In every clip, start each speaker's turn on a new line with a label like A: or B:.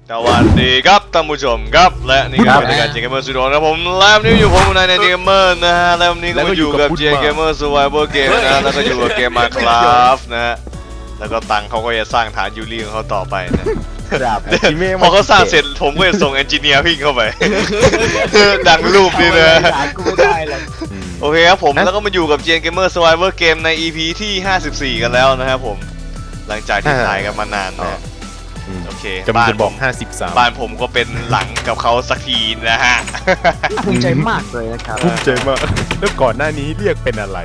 A: สวัสดีครับท่านผู้ชมครับและนี่คือรายการเจเกมเมอร์สุดโหดครับผมแล้ววันนี้อยู่ผมในเจเกมเมอร์นะฮะแล้ววันนี้ก็มาอยู่กับเจเกมเมอร์ Survival Game นะแล้วก็อยู่กับเกม Minecraft นะฮะแล้วก็ตังเขาก็จะสร้างฐานยูรีของเขาต่อไปนะครับพอเขาสร้างเสร็จผมก็จะส่งเอนจิเนียร์วิ่งเข้าไปดังรูปนี่นะโอเคครับผมแล้วก็มาอยู่กับเจเกมเมอร์ Survival Game ใน EP ที่54กันแล้วนะครับผมหลังจากที่ถ่ายกันมานานนะโอเคบ้านผมบ้านผมก็เป็นหลังกับเขาสักทีนะฮะ
B: ภูมิใจมากเลยนะครับ
C: ภูมิใจมากแล้วก่อนหน้านี้เรียกเป็นอะไร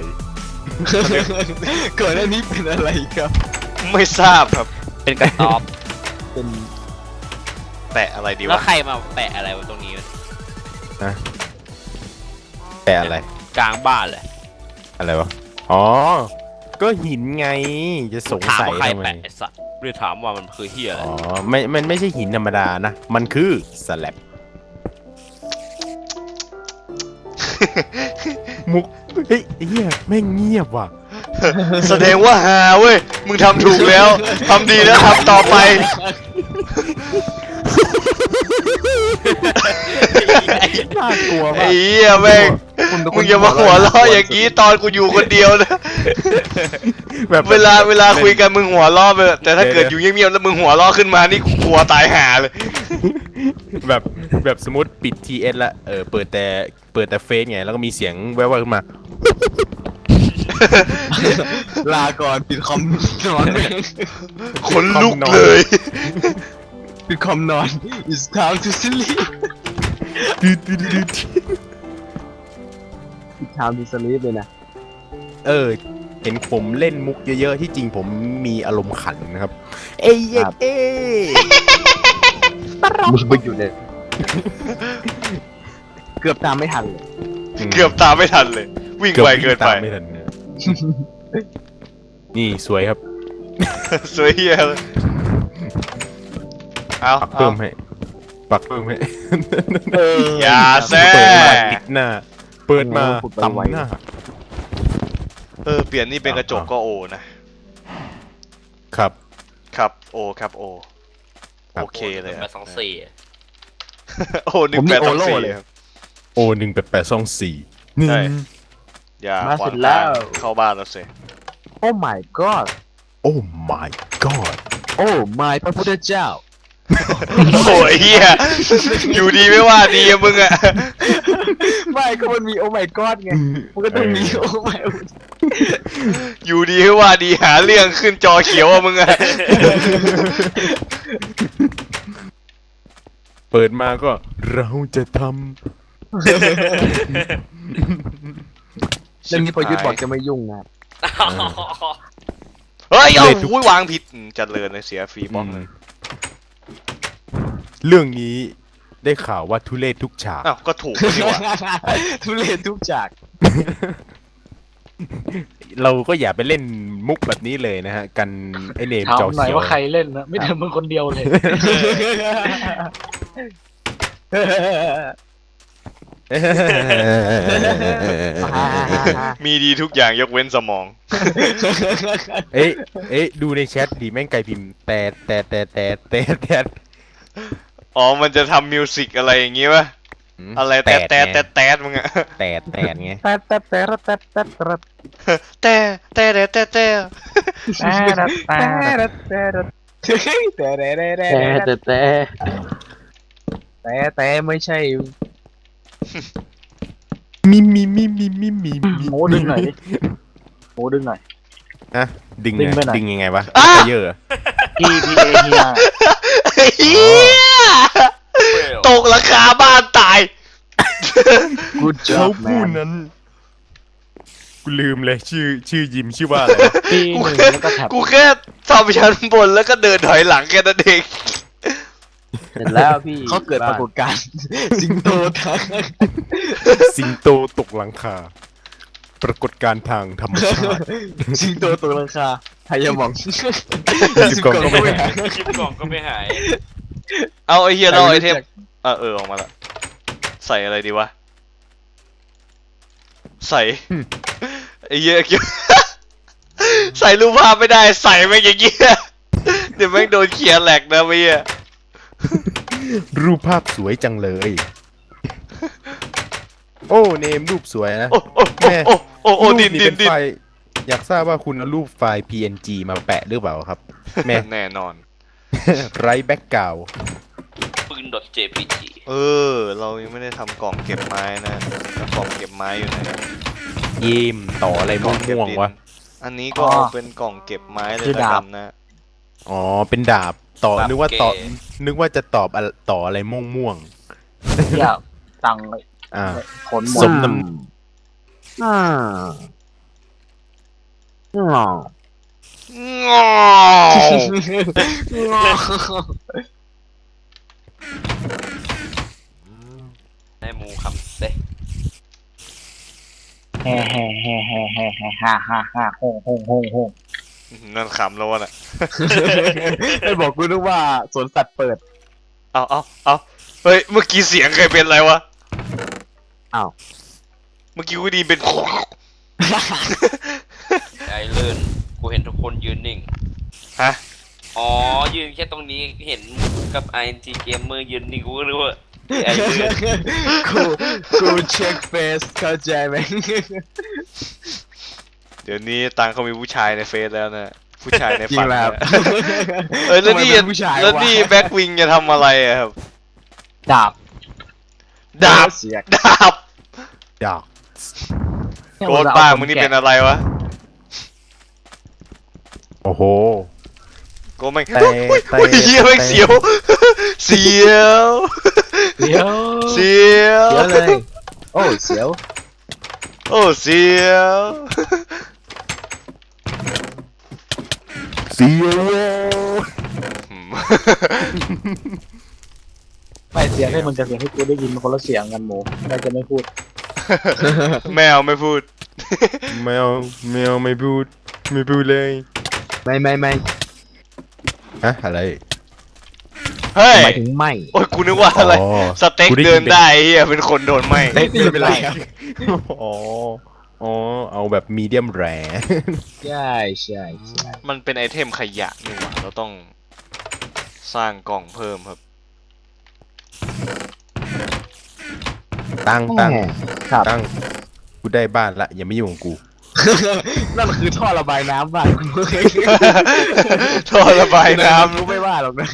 B: ก่อนหน้านี้เป็นอะไรครับ
A: ไม่ทราบครับ
D: เป็นกระต๊อบ
B: เป็น
A: แปะอะไรดีวะ
D: แล้วใครมาแปะอะไรตรงนี้
C: นะแปะอะไร
D: กลางบ้านเลย
C: อะไรวะอ๋อก็หินไงจะสงสัย
D: ทำไมแปะสัตว์เรียกถามว่ามันคือเหี้ยอะไร
C: อ๋อมันไม่ใช่หินธรรมดานะมันคือสแลบมุกเฮ้ยเฮียแม่งเงียบว่ะ
A: แสดงว่าฮาเว้ยมึงทำถูกแล้วทำดีแล้วทำต่อไป
C: น่ากลัวมาก
A: ไอ้เหี้ยแม่งมึงอย่ามาหัวเราะอย่างนี้ตอนกูอยู่คนเดียวนะแบบเวลาคุยกันมึงหัวเราะไปแต่ถ้าเกิดอยู่เงียบๆแล้วมึงหัวเราะขึ้นมานี่กลัวตายห่าเลย
C: แบบสมมติปิด TS ละเปิดแต่เฟซไงแล้วก็มีเสียงแว่วๆขึ้นมา
B: ลาก่อนปิดคอมนอน
A: คนลุกเลย
B: ปิดคอมนอน It's time to sleep ปิด time to sleep เลยนะ
C: เห็นผมเล่นมุกเยอะๆที่จริงผมมีอารมณ์ขันนะครับเอ้ย
B: มึงไปอยู่เลยเกือบตามไม่ทันเลย
A: วิ่งไวเกินไป
C: นี่สวยครับ
A: สวยเฮียเลย
C: ปักเพิ่มให้
A: อย่าแซ่
C: ติดหน้าเปิดมาตำหน้า
A: เปลี่ยนนี่เป็นกระจกก็โอนะครับโอโอเคเลย
D: 824
A: โอ1824เลยครับ
C: โอ1824
A: ใช่อย่าขวางทางเข้าบ้านแล้วสิ
B: Oh my god
C: Oh my god
B: Oh my พระพุทธเจ้า
A: โอ้ยเฮียอยู่ดีไม่ว่าดีอะมึงอะ
B: ไม่ก็มันมี Oh my god ไงมันก็ต้องมี Oh my
A: อยู่ดีไม่ว่าดีหาเรื่องขึ้นจอเขียวอะมึงอะ
C: เปิดมาก็เราจะทำ
B: เรื่องนี้พอยุทธบอกจะไม่ยุ่งนะ
A: เฮ้ยโอ้ยวางผิดจัดเลยเสียฟรีบล็อกเลย
C: เรื่องนี้ได้ข่าวว่าทุเรศทุกฉาก
A: อ้าวก็ถูกดีกว่า
B: ทุเรศทุกฉาก
C: เราก็อย่าไปเล่นมุกแบบนี้เลยนะฮะกันไอเนมจอเขียว
B: ถามหน่อยว่าใครเล่นนะไม่ทำมึงคนเดียวเลย
A: มีดีทุกอย่างยกเว้นสมอง
C: เอ๊ะดูในแชทดีแม่งไกลพิมพ์แต่
A: อ๋อมันจะทำมิวสิกอะไรอย่างงี้ป่ะอะไรแต่มึงอะ
C: แต่ไง
B: แต่ไม่ใช่
C: มี
B: โม้ดึงหน่อย
C: นะดึงยังไงวะเยอะ
A: ตกราคาบ้านตาย
C: เขาพูดนั้นกูลืมเลยชื่อยิมชื่อว่าอะไร
A: กูแค่ทำชั้นบนแล้วก็เดินถอยหลังแค่นั้นเอง
B: เสร็จแล้วพี่เขาเกิดปรากฏการณ์สิงโต
C: ตกหลังคาปรากฏการณ์ทางธรรมชาติ
B: สิงโตตกหลังคาหายมอง
C: สิบกล่องก็
D: ไม่หาย
A: เอาไอเฮียเราไอเทมออกมาละใส่อะไรดีวะใส่ไอเฮียใส่รูปภาพไม่ได้ใส่แม่งอย่างเงี้ยเดี๋ยวแม่งโดนเขียนแหลกนะเมีย
C: รูปภาพสวยจังเลย โอ้เนมรูปสวยนะ
A: โอ้โอ้
C: แม่
A: โอ้โอ้โอ้
C: รู
A: ดิ
C: ป
A: น
C: นี้
A: ดิ
C: เป็น น
A: ดิน
C: ไฟล์อยากทราบว่าคุณเอารูปไฟล์ PNG มาแปะหรือเปล่าครับ แม่
A: แน่นอน
C: ไร้แบ็กกราว
D: ปืน .jpg
A: เรายังไม่ได้ทำกล่องเก็บไม้นะแล้วกล่องเก็บไม้อยู่ไหน
C: ยิ้มต่ออะไร
A: กล่
C: ม่
A: องเก็บ
C: วง
A: ดิน
C: ๆวะ
A: อันนี้ก็เอาเป็นกล่องเก็บไม้เลยละกันนะ
C: อ๋อเป็นดาบต่อ
D: ดาบ
C: นึกว่าต่อ
D: เก๋
C: นึกว่าจะตอบอะต่ออะไรม่วง
B: อยากตังค์
C: ๆอ่า
B: ขนหมด
C: สมน้
A: งอ
D: ให้หมูคำเซ่
B: แฮ่แฮ่แฮ่แฮ่แฮ่แฮ่ฮ่าฮ่าฮ่าโฮงโฮงโฮงโฮง
A: นั่นขำแล้ววะน่ะ
B: ไม่บอกกูนึกว่าสวนสัตว์เปิด
A: เอาเฮ้ยเมื่อกี้เสียงใครเป็นอะไรวะ
B: อ้าว
A: เมื่อกี้กูไดีเป็น
D: ไอ้เลื่อนกูเห็นทุกคนยืนนิ่ง
A: ฮะ
D: อ๋อ ยืนแค่ตรงนี้เห็นกับ ING Gamer ยืนนิ่งกูก็รู้ว่าไอ้เลื่อน
B: กูเช็คเฟซเข้าใจไหม
A: เดี๋ยวนี้ตังเขามีผู้ชายในเฟซแล้วนะผู้ชายใน
B: จริ
A: ฝั
B: ง
A: น
B: แล้ว
A: นะแล้วนี่
B: ทำไมเป็นผู้ชาย
A: แล้ว
B: วะ
A: นี่แบ็กวิงจะทำอะไรอะครับ
B: ดาบ
A: ดาบ
B: เสียก
A: ดาบ
C: ดาบ
A: โกรธบ้างมึงนี่เป็นอะไรวะ
C: โอ้โห
A: โกรธแม่ง
C: แต่
A: อุ้ย
C: แต่
A: อุ้ยเหี้ยแม่ง
C: แต่
A: เสียว เสียว
B: เสียว
A: เสียว
B: เสียวเลย โอ้เสียว
A: โอ้เสียว
C: เสียว
A: อืม
B: ไม่เสียงให้มันกับเสียงให้กูได้ยินมันคนละเสียงกันหมูได้จะไม่พูด
A: แมวไม่พูด
C: แมวไม่พูดเลย
B: ไม่
C: ฮะอะไร
A: เฮ้ย
B: หมายถึงไม่
A: โอ้ยกูนึกว่าอะไร
C: อ๋อ
A: สเต็ก
C: กูได้ยิน
A: เดินได้เฮียเป็นคนโดนไหม
B: ไม่เป็นไรครับ
C: อ๋อเอาแบบมีเดียมแร
B: ใช่ใช่
A: มันเป็นไอเทมขยะนี่หว่าเราต้องสร้างกล่องเพิ่มครับ
C: ตั้ง
B: ครับ
C: ตั้งกูได้บ้านละอย่าไม่ยุ่งกับกู
B: นั่นคือท่อระบายน้ำบ้านกู
A: ท่อระบายน้
B: กูไม่ว่าหรอกนะ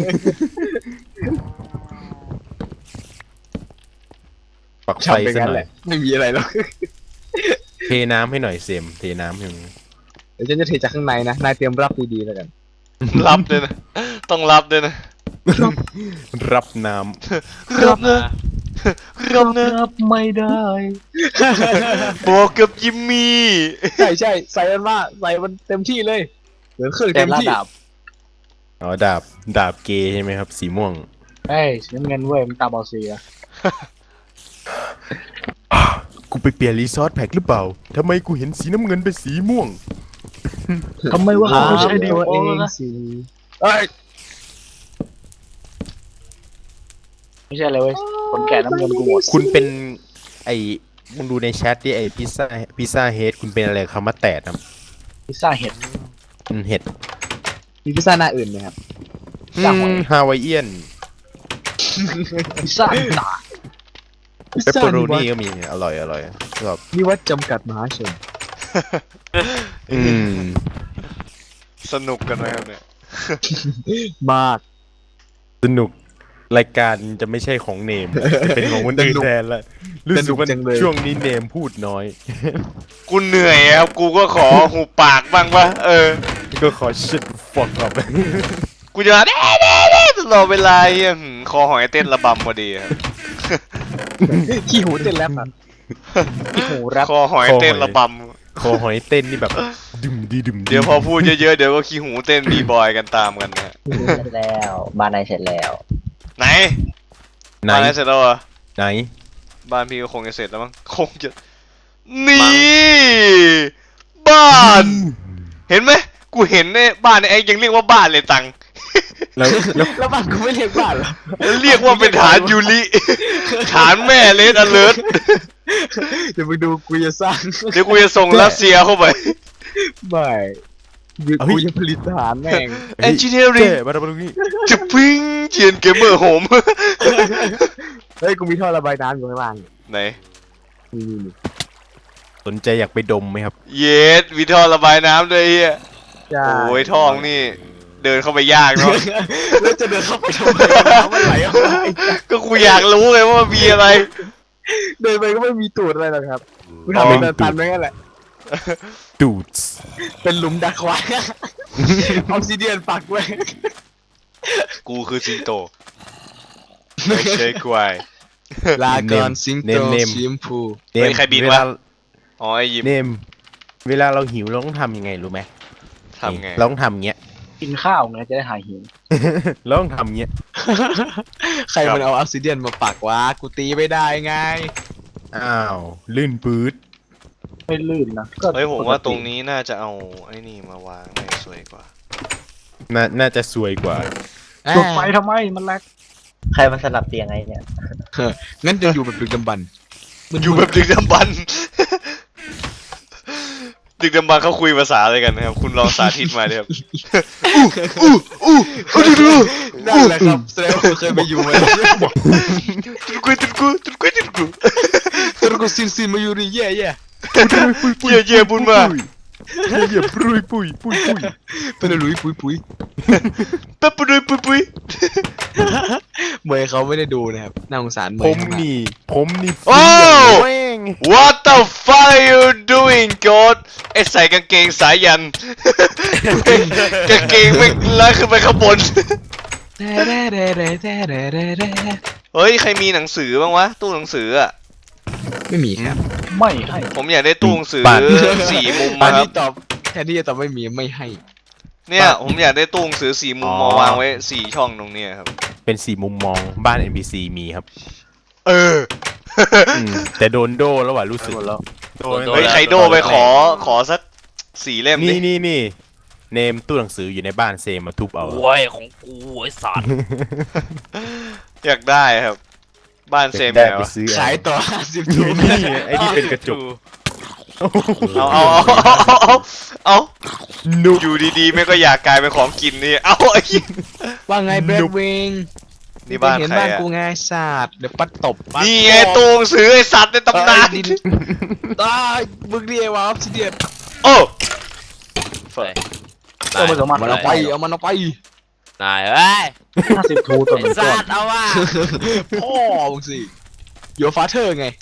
C: ปักไฟ
B: ทำไป
C: ซะ
B: งั้น
C: หน่
B: แห
C: อย
B: ละไม่มีอะไรหรอก
C: เทน้ำให้หน่อยเซมเทน้ำให้มึง
B: เดี๋ยวฉันจะเทจากข้างในนะนายเตรียมรับดีๆแล้วกัน
A: ำรับด้วยนะ ต้องรับด้วยนะ
C: รับน้
A: รับนะรับนะ
B: รับไม่ได้
A: บอกกับยิมมี่
B: ใช่ใช่ใส่มันมาใส่มันเต็มที่เลยเหมือนเครื่องเต็มที่
C: ำอ๋อดาบเกย์ใช่ไหมครับ สีม่วง
B: เฮ้ยสีน้ำเงินเว้ยมันตาบอดสีอะ
C: กูไปเปลี่ยนรีซอสแพ็คหรือเปล่าทำไมกูเห็นสีน้ำเงินเป็นสีม่วง
B: ทำไมวะเขาใช้ตัวเองสิเอ้ยไม่ใช่เลยเว้ยคนแก่น้ำเงินกูหมด
C: คุณเป็นไอ้มึงดูในแชทดิไอ้พิซซ่าเฮดคุณเป็นอะไรคำว่าแตดนะ
B: พิซซ่าเห็ด
C: เห็ด
B: มีพิซซ่าหน้าอื่นไหมครับ จ้างหอย
C: ฮาวายเอียน
B: พิซซ่าตา
C: เปปเปอโรนี่ก็มีอร่อยชอบ
B: นิวัฒน์จำกัดมหาชน
C: อืม
A: สนุกกันนะครับเนี่ย
B: มาก
C: สนุกรายการจะไม่ใช่ของเนมจะเป็นของคนอื่นแทนละรู้สึกว่า
B: สนุกจังเลย
C: ช่วงนี้เนมพูดน้อย
A: กูเหนื่อยครับ กูก็ขอหูปากบ้างวะ
C: ก็ขอชิดฟอกกับ
A: กูจะเด้ตลอดเวลาเฮียคอหอยเต้นระบำพอดีครับ
B: ขี้หูเต้นแรปอ่ะขี้หูแรป
A: คอหอยเต้นระบ
C: คอหอยเต้นนี่แบบดึมดี
A: ำเดี๋ยวพอพูดเยอะๆเดี๋ยวก็ขี้หูเต้นบีบอยกันตามกันนะ
B: เสร็จแล้วบ้านนายเสร็จแล้ว
A: ไหน
C: ไหน
A: บ้านไหนเสร็จแล้วเหรอ
C: ไหน
A: บ้านพี่ก็คงจะเสร็จแล้วมั้งคงจะนี่บ้าน เห็นไหมกูเห็นเนี่ยบ้านไอ้ยังเรียกว่าบ้านเลยตัง
C: แล้ว
B: แล้วบ้านกูไม่เรียกบ้านเหรอ
A: เรียกว่าเป็นฐานยูริฐานแม่เลสอเลิร์
B: เดี๋ยวมึงดูกูจะสร้าง
A: เดี๋ยวกูจะส่งรัสเซียเข้าไป
B: ไม่กูจะผลิตทหารแม่ง
A: engineering
C: เจ๊มาทำตรงนี้
A: จะปิ้งเจียนเกมเมอร์โฮม
B: เฮ้ยกูมีท่อระบายน้ำอยู่ข้างล่าง
A: ไหน
B: นี่
C: สนใจอยากไปดมไหมครับ
A: เยสมีท่อระบายน้ำด้วยเฮีย
B: ใช่
A: โอ้ยท่องนี่ เดินเข้าไปยากเนาะ
B: แล้วจะเดินเข้าไปทำไมน้ำมันไหลออกมา
A: ก็กูอยากรู้ไงว่ามันมีอะไร
B: เดินไปก็ไม่มีตูดอะไรหรอกครับกูทำเป็นเดินตันไปงั้นแหละ
C: ดูด
B: เป็นหลุมดักควายออกซิเดียนปักไว้
A: กูคือสิงโตไม่ใช่ควาย
B: ลาก่อนสิงโตสีชมพู
A: เฮ้ยใครบินวะ อ๋อไอยิม
C: เนมเวลาเราหิวเราต้องทำยังไงรู้ไหม
A: ทำไง
C: เราต้องทำเงี้ย
B: กินข้าวไงจะได้หายหิว
C: เราต้องทำเงี้ย
B: ใครมันเอาออกซิเดียนมาปักวะกูตีไม่ได้ไง
C: อ้าวลื่นปื๊ด
B: ไม่ลื่นนะก็
A: เฮ้ยผมว่าตรงนี้น่าจะเอาไอ้นี่มาวางน่าจะสวยกว่า
C: น่าจะสวยกว่า
B: จุดไฟทำไมมันแลก
E: ใครมันสลับเตียงไงเนี่ย
B: งั้นจะอยู่แบบดึกดำบรรพ์
A: อยู่แบบดึกดำบรรพ์ ดึกดำบรรพ์เขาคุยภาษาอะไรกันนะครับ คุณลองสาธิตมาเลยครับ
B: นั่นแหละครับแสดงว่าเคยไปอยู่มา
A: ตุนกุยตุนกุยตุนกุยตุนกุย
B: ตอนกูซินมาอยู่นี่แย่
A: เย่บุญมา
C: เยี่ยปุยปุยปุยปุย
B: เป็นหลุยปุย
A: แป๊บปุยปุยปุย
B: เมย์เขาไม่ได้ดูนะครับน่าสงสารเม
C: ผม
B: ย์
C: นี่
A: โอ้
C: แม่ง
A: What the fuck are you doing God ไอใส่กางเกงสายยัน กางเกงไม่ลากขึ้นไปข้างบน เฮ้ย ใครมีหนังสือบ้างวะ ตู้หนังสืออ่ะ
B: ไม่มีครับ
F: ไม่ให้
A: ผมอยากได้ตู้หนังสือสี่มุม
B: อั
A: มาน ครั
B: นี้
A: บ
B: ตอบแทนที่จะตอบไม่มีไม่ให้
A: เนี่ยผมอยากได้ตู้หนังสือสี่มุมมาวางไว้สี่ช่องตรงเนี้ยครับ
C: เป็นสี่มุมมองบ้าน NPC มีครับ
A: เออ
C: แต่โดนโดแล้วว่ะรู้สึก
A: เฮ้ยใครโดไปขอสักสี่เล่มดิ
C: นี่เนมตู้หนังสืออยู่ในบ้านเซมาทุบเอา
D: โอ้ยของกูไอ้สัตว์
A: อยากได้ครับ บ้านเซม
C: ได้
A: แล้ว
C: ไปซื้อ
B: ขายต่อ50
C: อ
B: ถุ
C: ยู่
B: ง
C: นี่ไอ้นี่เป็นกระจก
A: เอา
C: นุบ
A: อยู่ดีๆไม่ก็อยากกลายเป็นของกินนี่เอาไอ้
B: ว่าไงแบล็ควิง
A: นี่บ้าน
B: เห็น
A: ใคร
B: บ้าน
A: อะ
B: กูไงศาสตร์เดี๋ยวปัดตบ
A: นี่ไงตู้หนังสือไอสัตว์ในตำนาน
B: ดินตายมึงเรียกว่าออฟซิเดียน
A: โอ้
F: ตัวผสมมัน
B: มันเอาไปเอามันเอาไป
D: นายเอ้ย
F: 50 ทูตัว
D: ไอ้
F: เป็นก้
D: สั
F: อน
D: ตว์เอาว่ะ
B: พ่อมึงสิโยฟาเธอร์ไง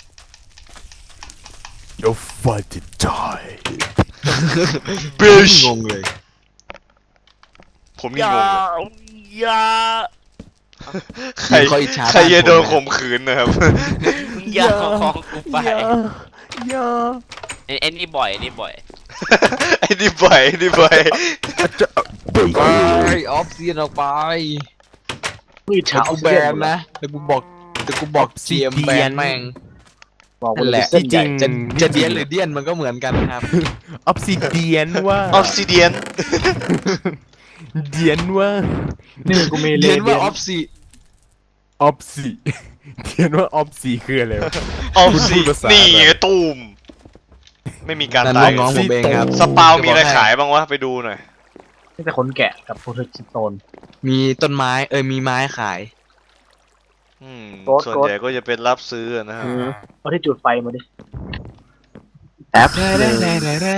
C: Your father die
A: บิช
B: งงเลย
A: ผม
D: อ
A: นี่
D: ย่าง
A: งเลย
D: อย่า
A: ใคร
B: เขาอิจฉา
A: ใครจะโดน
B: บ้านผม
A: ข่มขืนนะครับ
D: อย่าเอาของกูไป
C: อย่า
D: ไอ้นี่บ่อยไอ้นี่บ่อย
A: ไอ้นี่บ่อยไอ้นี่บ่อย
B: ไปออฟซิเดียนออกไป
F: พืช
B: เดี๋ย
F: ชาว
B: กูแบนนะเดี๋ยวกูบอกเจียมแบนแม่ง
F: บอก
B: นั่นแหละ
F: เส้นใหญ่
B: จะเดียนหรือเดียนมันก็เหมือนกันครับ
C: ออฟซิเดียนว่า
A: ออฟซิเดียน
C: เดียนว่า
F: นี่กูมีเล
B: เดียน
F: เดี
B: ว่าย
F: น
B: ออฟซิ
C: ออฟซิเดียนว่าออฟซิคืออะไรวะ
A: ออฟ
C: คุณ
A: ซิ
C: พูดภาษา
A: นี่
C: อะไร
A: ไงตูมไม่มีการ
B: นั่น
A: ตาย
B: น้องๆผมเองครับ
A: สปาวมีอะไรขายบ้างวะไปดูหน่อย
F: นี่แต่ขนแกะกับโพเทสโตน
B: มีต้นไม้มีไม้ขาย
F: โกด
A: ส่วนใหญ่ก็จะเป็นรับซื้อนะครับ
F: เอาที่จุดไฟมาดิ
E: แอป
C: เดเดเดเดเด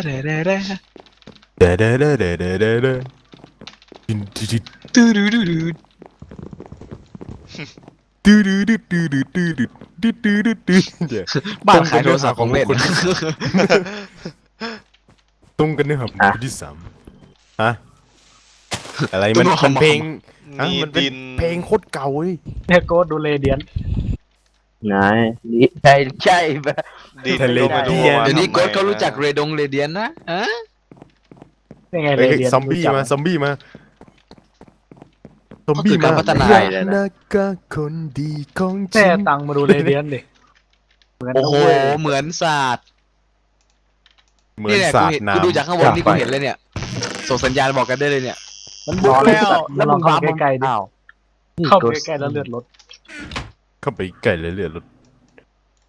C: เดเดดูดูดูดูดูดูดูดูดูดูดูดูดูดู
B: บ้านขายโทรศัพท์ของเล่น
C: ตรงกันเนื้อหาคนที่สามฮะอะไรมันเพลง มันเป็น
A: ดิน
C: เพลงโคตรเก่าเว้ย
F: เนี่ยโกดดูเลเดียน
E: ไงนี่ใช่ปะ
A: ดิน
C: ทะเล
A: ก็ไม่รู้
C: เดียน
A: ว่า
B: เดี๋ยวนี้
A: ทำไม
B: โกดเขารู้จักเรดงเรเดียนนะอะ
F: นี่ไงเล
C: เฮ้ย
F: เดียน
C: ซอมบี้มาซอมบี้มาซอม
B: ก็
C: บี้
B: คือ
C: มา
B: การพัฒนา
C: นักกะคนดีของจ
F: แม่
C: ริง
F: ตังมาดูเลเดียนดิเหมือน
B: โอ้โห
F: นะเว้ย
B: เหมือนศาสตร์
C: เหมือน
B: นี่แหละ
C: สา
B: กู
C: ด
B: เห็น
C: น้ำ
B: กูดูจากข้างบนนี่กูเห็นเลยเนี่ยส่งสัญญาณบอกกันได้เลยเนี่ย
F: มันบุกแล้วแล้วมึงเข้าใกล้ๆดิ
E: อ้าว
F: เข้าใกล้ๆแล้วเลือดลด
C: เข้าไปใกล้เลยเลือดรถ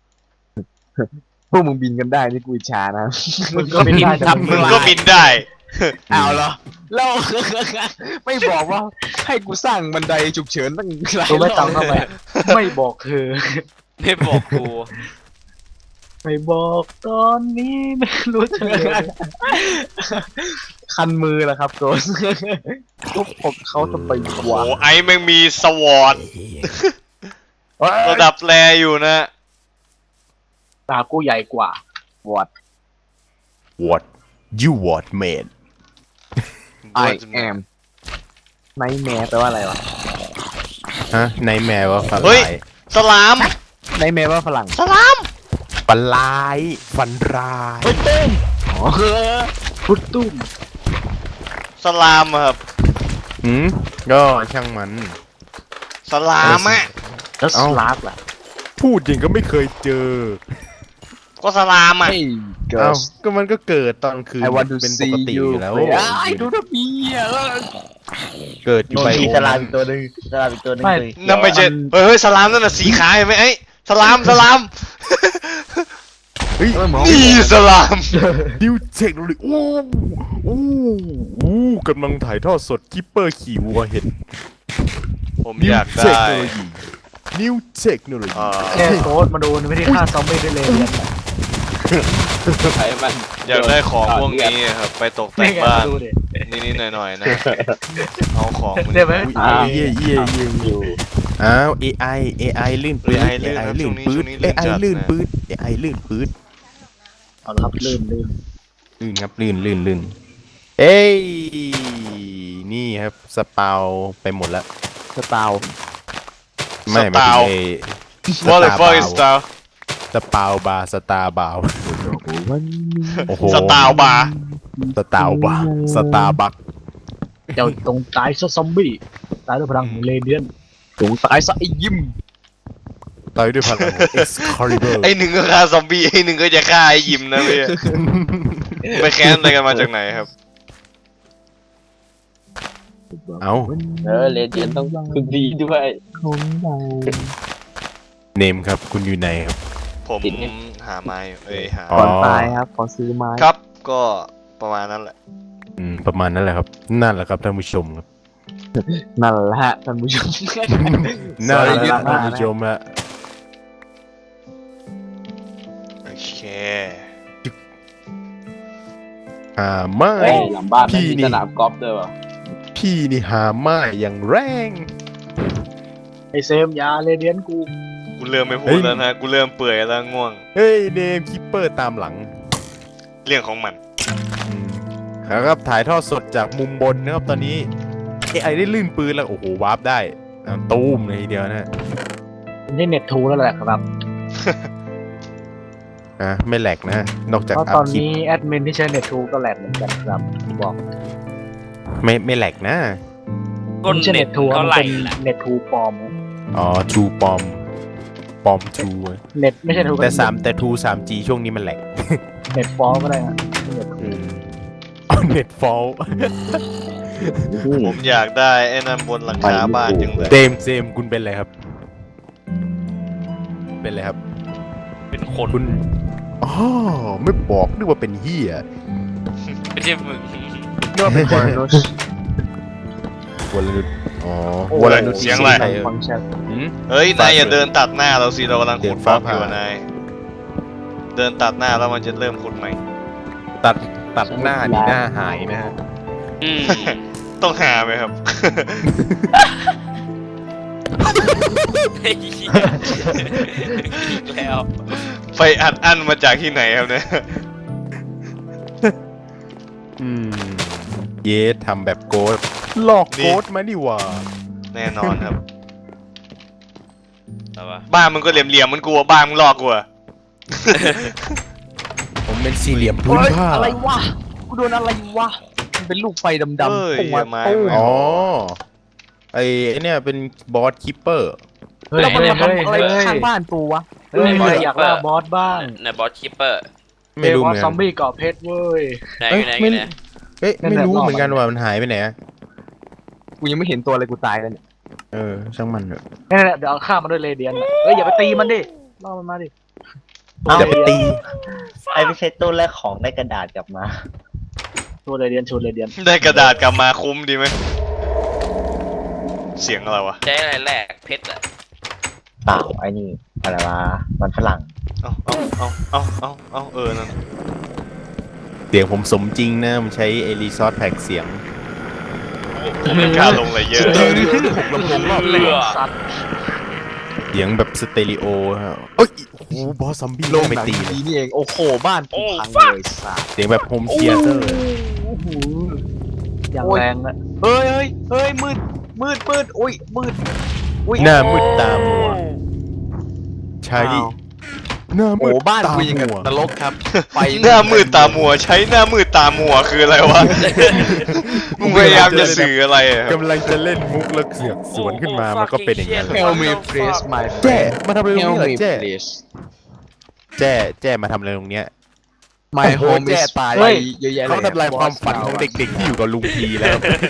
B: พวกมึงบินกันได้นี่กูอิจฉานะ
F: มึงก็ไม่ได้
A: มึงก็บินได้
B: เอาเหรอแล้ว ไม่บอกว่าให้กูสร้างบันไดฉุกเฉินตั้งหลาย
F: กูไม่
B: รอบ
F: จำเข้าไปไม่บอกเธอ
D: ไม่บอกกู
F: ไม่บอกตอนนี้ไม่รู้จะเลย
B: คันมือแล้วครับโกสทุบผมเขาจะไปก
A: โอ้
B: ว่า
A: โหไอ้แม่งมีสวอตระดับแรอยู่นะ
F: ตากูใหญ่กว่า
B: วอด
C: what you what made
B: I am ไนท์แมร์แปลว่าอะไรวะ
C: ฮะในแมวว่าฝัน
A: เฮ้ย
C: ร้าย
A: สลาม
B: ไนท์แมร์ว่าฝรั่ง
A: สลาม
C: ฝันร้ายฝันร้าย
B: อ๋อ
F: พุทตุ้ม
A: สลามอะครับ
C: ก็ช่างมัน
A: สลามอะ
F: แล้วส
C: เอ้า
F: ลาฟล่ะ
C: พูดจริงก็ไม่เคยเจอ
A: ก็สลามอะ
B: เฮ้ยเกิ
C: เอ้า
B: ร์ส
C: ก็มันก็เกิดตอนคืน
B: I want to
C: เป็นป
B: see
C: กติอ
B: you
C: ยู่แล้ว
B: ไอ้ดูนะพี่อ่ะ
C: เกิดอยู่
E: โน
C: ไป
E: มีสลามอีกตัวหนึงสลามอีกตัวหนึง
F: ไม่
E: เลย
A: นั่นไม่ใช่เฮ้ยสลามนั่นน่ะสีขาเห็นไหมไอ้สลามสลาม
C: เฮ้ย
A: นี่สลาม
C: นิวเทคโนโลยีอู้กำลังถ่ายทอดสดคิปเปอร์ขี่วัวเห็น
A: ผม
C: นิ
A: อ
C: วย
A: าก
C: เทค
A: ได้
C: โนโลยีนิวเทคโนโลยี
F: แค่โกดมาดูไม่ได้ฆ่าซอมบี้ด้วยเลยเนี่ย
D: ไอ้มัน
A: อยากได้ของพวกนี้ครับไปตกแต่
F: นี่
A: ง
F: ไง
A: บ้าน
F: มาดูดิ
A: นิดๆหน่อยๆนะเอาของมัน
F: ได้ไหม
C: อุ้ยเยี่ยอ้าว AI ลื่นปื๊ด
A: AI ลื่น
C: AI
A: ครับ
C: ลื่น
A: ช่
C: ปื๊
A: ว
C: ด
A: งนี้ลื่น
C: AI
A: จัด
C: ลื่น
A: นะ
C: ปื๊ด AI ลื่นปื๊ด
F: เอาละครับลื่น
C: ลื่นครับลื่นเอ้ยนี่ครับสปาวไปหมดแล้ว
B: สตาร์
C: ไม่
A: สปาว
C: ไม่
A: What the fuck is that
C: สปาวบาร์สตาร์บาวโอ้โห
A: สตาร์บาร์
C: สตาวบาร์สตาร์บัค
F: ๆเจ้าตรงตายซะซอมบี้ตายด้วยพลังของเรเดียน
B: สงสัยซะไอ้ยิ้ม
C: ต่อยด้วยพลัง Excalibur
A: ไอ้หนึ่งก็ฆ่าซอมบี้ไอ้หนึ่งก็จะฆ่าไอ้ยิมนะพี่ไปแค้นอะไรกันมาจากไหนครับ
C: เอ้า
E: เลเจนต้องคุณดีด้วย
C: เนมครับคุณอยู่ไหนครับ
A: ผมหาไม้อยู่หา
C: อ๋อ
B: ก่อนตายครับขอซื้อไม้
A: ครับก็ประมาณนั้นแหละ
C: ประมาณนั้นแหละครับนั่นแหละครับท่านผู้ชมครับ
B: นั่นแหละฮะท่านผู้ชม
C: นั่นแหละ
B: ยึด
C: ท่านผู้ชมฮะ
A: โอเค
C: ไม่
E: เฮ้ยหลังบ้าน
C: พี่
E: มี
C: นี่
E: สนามกอล์ฟด้วยวะ
C: พี่นี่หาไม่อย่างแรง
F: ไอเซมยาเรเดียนกู
A: กูเริ่มไม่พูดแล้วนะกูเริ่มเปื่อยแล้วง่วง
C: เฮ้ยเนมคิปเปอร์ตามหลัง
A: เรื่องของมัน
C: ครับถ่ายทอดสดจากมุมบนนะครับตอนนี้ AI ได้ลื่นปืนแล้วโอ้โหวาร์ปได้ตูมเลยทีเดียวนะฮะ
F: ไม่ใช่เน็ตทูแล้วแหละครับ
C: ไม่แหลกนะ นอกจาก
F: เพราะ
C: อั
F: ต
C: พ
F: อน
C: คลิป
F: นี้แอดมินที่ใช้เน็ตทูก็แหลกเหมือนกันครับบอก
C: ไม่แหลกนะ
D: ก้น
F: ไม่ใช่
D: เน็
F: เน็
D: ต
F: ตทู
D: เท่า
F: มัน
D: ไหร่
F: เป็น
D: ล่ะ
F: เน็ตทูปลอม
C: อ๋อทูปอมทู
F: เน็ตไม่ใช่ทู
C: แต่ทู 3G ช่วงนี้มันแหลก
F: เน็ตฟอลก็ได้นะเน็ตทู
C: เอาเน็ตฟอล
A: ผมอยากได้ไอ้นั่นบนหลังคาบ้านจังเลย
C: เซมคุณเป็นอะไรครับ เป็นอะไรครับ
D: เป็นคน
C: คุณอ๋อไม่บอกนึกว่าเป็นเฮีย
D: ไม่ใช่มึง
B: เรียกว่าเป็นวอลนุช
C: วลนุชอ๋อ
A: วลนุชเสียงอะไร
B: ฟังก์ชัน
A: เฮ้ยนายอย่าเดินตัดหน้าเราสิเรากำลังขุดบล็อกอยู่
C: เดินฟ้าผ่าน
A: นายเดินตัดหน้าแล้วมันจะเริ่มขุดใหม่
C: ตัดหน้านี่หน้าหายนะฮะ
D: อืม
A: ต้องหาไหมครับ
D: ไอ้เหี้ยอีกแล้ว
A: ไปอัดอั้นมาจากที่ไหนครับเนี่ย
C: เยสทำแบบโกดหลอกโกดมานี่หว่า
A: แน่นอนครับ
D: เอาวะ
A: บ้านมึงก็เหลี่ยมๆมันกลัวบ้านมึงหลอกกลัว
C: ผมเป็นสี่เหลี่ยมพื้นผ้า
B: อะไรวะกูโดนอะไรวะมันเป็นลูกไฟดำ
A: เอ้ย
B: ๆพุ่งมา
A: อย่ามา
B: ตู้
C: อ๋อไอ้เนี่ยเป็นบอสคิปเปอร์
F: เฮ้ย
B: แล้วมัน
F: เฮ้ย
B: มา
F: เฮ้ย
B: ทำอะไร
F: เฮ้ย
B: ข้างบ้านกูวะ
F: เฮ้ยมันอยากล่าบอสบ้าง
D: ในบอสคิปเปอร์
C: ไม่รู้
F: บ
C: เห
F: อ
C: มื
F: ส
C: อน
F: ซ
C: กั
F: อน มบี้เกาะเพชรเว้ย
D: ไหน
C: เอ้
D: อย ยู่ไหนอ
C: ไม่
D: ยู่ไหน
C: ไม่รู้เหมือนกันว่ามันหายไปไหนอะ
B: กูยังไม่เห็นตัวเลยกูตายแล้วเนี่ย
C: ช่างมันเถอะ
F: นี่นแหละเดี๋ยวเอาฆ่ามันด้วยเรเดียนอะเฮ้ยอย่าไปตีมันดิล่อมันมาดิ
C: จะไปตี
E: ไอ้ไม่ใช่ตู้แรกของได้กระดาษกลับมา
F: ชูเลยเดียนชูเลยเดียน
A: ได้กระดาษกลับมาคุ้มดีไหมเสียงอะไรวะ
D: ใช้อะไรแลกเพชรอะ
E: เปล่าไอ้นี่อะไรวะมันฝรั่ง
A: เอานั่น
C: เสียงผมสมจริงนะมันใช้เอลิซอสแพ็กเสียง
A: ผมไม่กล้าลงเลยเยอะ
B: เดินอยู่หกลำโพงรอบ
D: เลือ
F: สัตว์
C: เสียงแบบสเตอริโอฮะเอ้ยโอ้โหบอสซอมบี้
B: โลง
C: ไม่
B: หนัง
C: ตีเลย
B: ดีนี่เองโอ้โหบ้านกูพังเลยสัส
C: เสียงแบบโฮมเธียเตอร์
F: อย่างแรงอะ
B: เฮ้ยมืดอุ้ยมืดอุ้ย
C: หน้ามืดตามัว ใช้
B: อ้าว
C: หน้ามื
B: โอ้
C: ด
B: บ้าน
C: ตา
B: กูยังกับ
C: มัวน
B: รกครับไฟ
A: หน้ามืดตามัวใช้หน้ามืดตามัวคืออะไรวะมึงพยายามจะสื่ออะไรอะ
C: กำลังจะเล่นมุกแล้วเสือกสวนขึ้นมามันก็เป็นอย่างนั้น
B: เฮลมีเพรสมา
C: แจ้มาทำอะไรตร
B: เฮ
C: ง
B: ล
C: นี้เหรอ
B: มี
C: แจ้
B: เพรส
C: แจ้มาทำอะไรตรงเนี้ย
B: My
C: โอ้โห
B: home
C: แจ้
B: is
C: ตาย
B: ไปเยอะแยะเลย
C: เขาทำลายความฝันของเด็กๆที่อยู่กับลุงพีแล้ว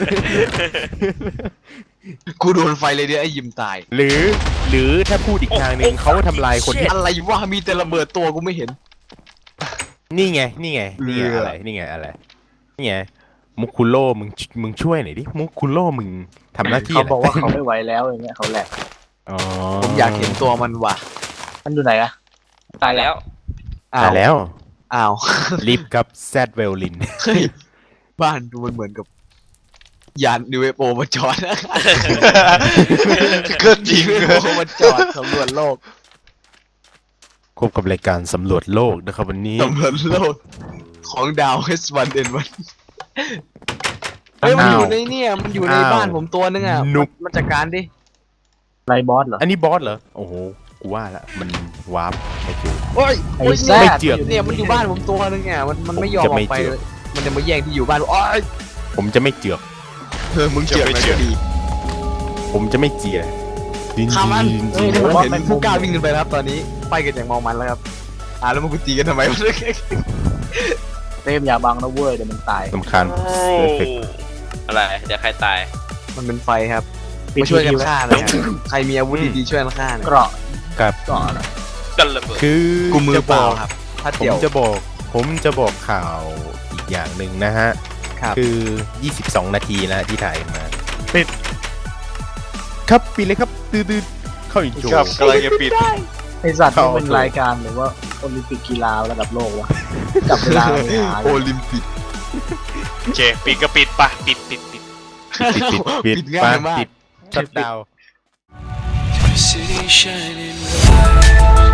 B: กูโดนไฟเลยเดี๋ยวไอ้ยิมตาย
C: หรือถ้าพูดอีกทางหนึ่งเขาทำลายคนที่
B: อะไรวะมีแต่ระเบิดตัวกูไม่เห็น
C: นี่ไง
B: เรืออ
C: อะไรนี่ไงมุกคุโร่มึงช่วยหน่อยดิมุกคุโร่มึงทำหน้าที่
F: เขา
C: อะไร
F: บอกว่าเขาไม่ไหวแล้วอย่างเงี้ยเขาแหลก
C: อ๋อ
B: ผมอยากเห็นตัวมันว่ะ
F: มันอยู่ไหนอะ
D: ตายแล้ว
B: อ้า
C: ตายว แล้ว
B: อ้าว
C: ลิฟกับแซดเวลลิน
B: เฮ้ยบ้านดูมันเหมือนกับยานนิเวโปมาจอดนะ
A: ก็จริง
B: นิเวโปมาจอดสำรวจโลก
C: คบกับรายการสำรวจโลกนะครับวันนี้
B: สำรวจโลกของดาว H1N1 เฮ้ยมันอยู่ในเนี่ยมันอยู่ในบ้านผมตัวนึงอ่ะมันจัดการดิ
F: ไรบอสเหรอ
C: อันนี้บอสเหรอโอ้โหกูว่าละมันวาร์ปไม่ถูก
B: โอ้ย
F: ไอ้
B: โอ้ย
F: แซ่
C: ไม่
F: บ
C: เจือก
B: เนี่ยมันอยู่บ้านผมตัวนึงอ่ะมันไม่ยอมออกไปเลยมันจะมาแย่งที่อยู่บ้านโอ้ย
C: ผมจะไม่เจือก
B: มึงเจือกไหมก็ดี
C: ผมจะไม่เจียดิน
B: ข้ามมัน
C: ดิน
B: เฮ้ยผมเห็นผู้กล้าวิ่งขึ้นไปแล้วครับตอนนี้ไปกันอย่างเมองมันแล้วครับแล้วมันกูตีกันทำไมวะ
F: เต็มอย่าบังนะเว้ยเดี๋ยวมันตาย
C: สำคัญเอฟเฟกต์
D: อะไรเดี๋ยวใครตาย
B: มันเป็นไฟครับมาช่วยกันฆ่านะครับใครมีอาวุธดีๆช่วยกันฆ่าหน่อย
F: เกราะ
C: กับ
F: เกราะอะไร
D: กันระเบิด
C: คือ
B: กูมือ
C: จะ
B: เป
C: บ
B: ล่า
C: อก
B: ครับถ้า
C: ผม
B: เดี่ยว
C: จะบอกข่าวอีกอย่างหนึ่งนะฮะ
B: ครับ
C: คือ 22 นาทีแล้วที่ถ่ายมาปิดครับปิดเลยครับดื้อๆเข้าอีกโจ
A: ครับกำลังจะปิด
F: ไอสัตว์
C: เข้า
F: มันเป็นรายการหรือว่าโอลิมปิกกีฬาระดับโลกวะจับเวลาไม่หาเล
B: โอย ลิมปิก
A: โอเคปิดก็ปิดปะปิด
C: ปิด
B: ปิดง่ายมาก
C: ปิดชัดดาวน์
G: City shining bright.